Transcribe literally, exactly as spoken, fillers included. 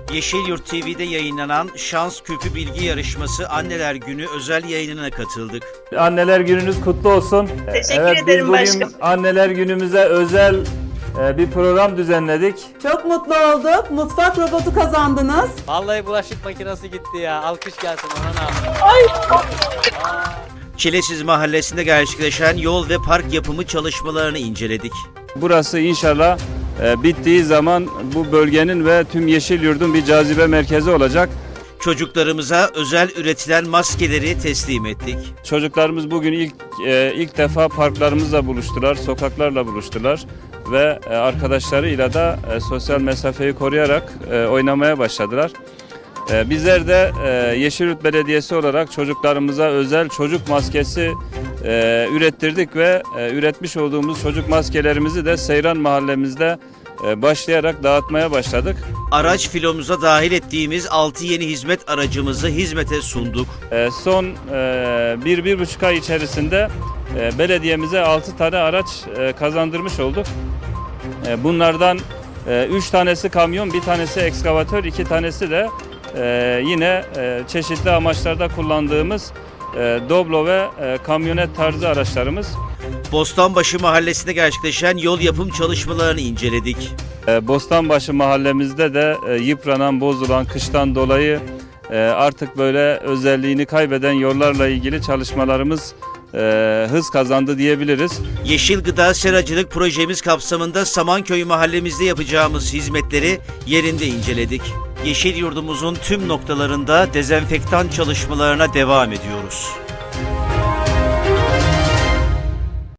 Yeşilyurt T V'de yayınlanan Şans Küpü Bilgi Yarışması Anneler Günü özel yayınına katıldık. Anneler Gününüz kutlu olsun. Teşekkür evet, ederim biz bugün başkanım. Anneler Günümüze özel e, bir program düzenledik. Çok mutlu olduk. Mutfak robotu kazandınız. Vallahi bulaşık makinesi gitti ya. Alkış gelsin ona abi. Çilesiz Mahallesi'nde gerçekleşen yol ve park yapımı çalışmalarını inceledik. Burası inşallah e, bittiği zaman bu bölgenin ve tüm Yeşilyurt'un bir cazibe merkezi olacak. Çocuklarımıza özel üretilen maskeleri teslim ettik. Çocuklarımız bugün ilk e, ilk defa parklarımızla buluştular, sokaklarla buluştular ve e, arkadaşlarıyla da e, sosyal mesafeyi koruyarak e, oynamaya başladılar. E, bizler de e, Yeşilyurt Belediyesi olarak çocuklarımıza özel çocuk maskesi e, ürettirdik ve e, üretmiş olduğumuz çocuk maskelerimizi de Seyran mahallemizde e, başlayarak dağıtmaya başladık. Araç filomuza dahil ettiğimiz altı yeni hizmet aracımızı hizmete sunduk. E, son e, bir, bir buçuk ay içerisinde e, belediyemize altı tane araç e, kazandırmış olduk. E, bunlardan e, üç tanesi kamyon, bir tanesi ekskavatör, iki tanesi de e, yine e, çeşitli amaçlarda kullandığımız e, doblo ve e, kamyonet tarzı araçlarımız. Bostanbaşı Mahallesi'nde gerçekleşen yol yapım çalışmalarını inceledik. E, Bostanbaşı mahallemizde de e, yıpranan, bozulan, kıştan dolayı e, artık böyle özelliğini kaybeden yollarla ilgili çalışmalarımız e, hız kazandı diyebiliriz. Yeşil Gıda Seracılık projemiz kapsamında Samanköy mahallemizde yapacağımız hizmetleri yerinde inceledik. Yeşilyurt'umuzun tüm noktalarında dezenfektan çalışmalarına devam ediyoruz.